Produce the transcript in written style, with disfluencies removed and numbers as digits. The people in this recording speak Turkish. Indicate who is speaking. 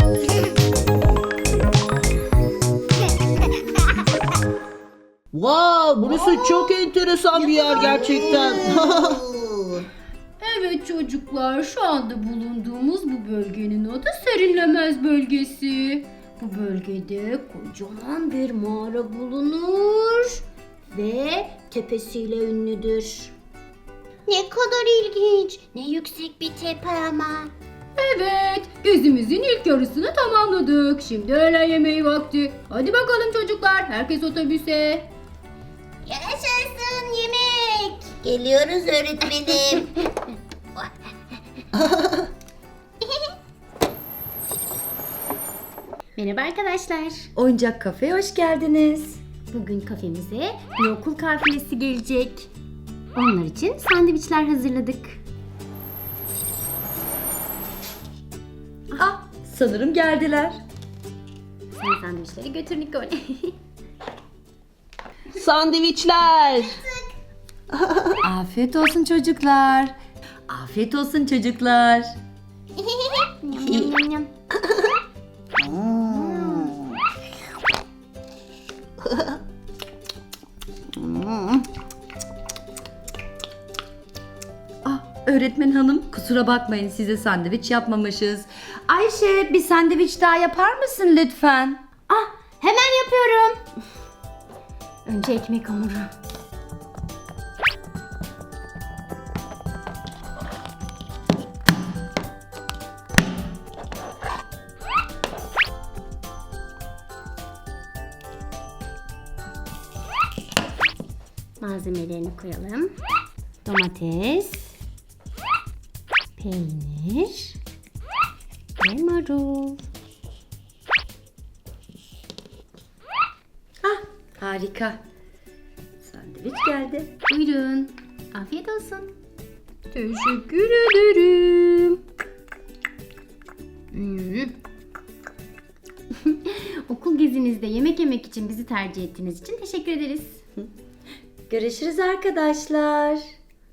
Speaker 1: Wow, burası çok enteresan bir yer gerçekten.
Speaker 2: Evet çocuklar, şu anda bulunduğumuz bu bölgenin adı Serinlemez Bölgesi. Bu bölgede kocaman bir mağara bulunur ve tepesiyle ünlüdür.
Speaker 3: Ne kadar ilginç. Ne yüksek bir tepe ama.
Speaker 2: Evet, gezimizin ilk yarısını tamamladık. Şimdi öğlen yemeği vakti. Hadi bakalım çocuklar, herkes otobüse.
Speaker 3: Yaşasın yemek. Geliyoruz öğretmenim.
Speaker 2: Merhaba arkadaşlar.
Speaker 4: Oyuncak kafeye hoş geldiniz.
Speaker 2: Bugün kafemize bir okul kafilesi gelecek. Onlar için sandviçler hazırladık.
Speaker 4: Ah, sanırım geldiler.
Speaker 2: Sen sandviçleri götür Nikol.
Speaker 1: Sandviçler.
Speaker 4: Afiyet olsun çocuklar. Afiyet olsun çocuklar.
Speaker 3: Yum, yum, yum, yum.
Speaker 4: Ah, öğretmen hanım kusura bakmayın size sandviç yapmamışız. Ayşe bir sandviç daha yapar mısın lütfen?
Speaker 2: Ah, hemen yapıyorum. Önce ekmek hamuru. Malzemelerini koyalım. Domates, peynir ve marul.
Speaker 4: Ah, harika. Sandviç geldi.
Speaker 2: Buyurun. Afiyet olsun. Teşekkür ederim. Okul gezinizde yemek yemek için bizi tercih ettiğiniz için teşekkür ederiz.
Speaker 4: Görüşürüz arkadaşlar.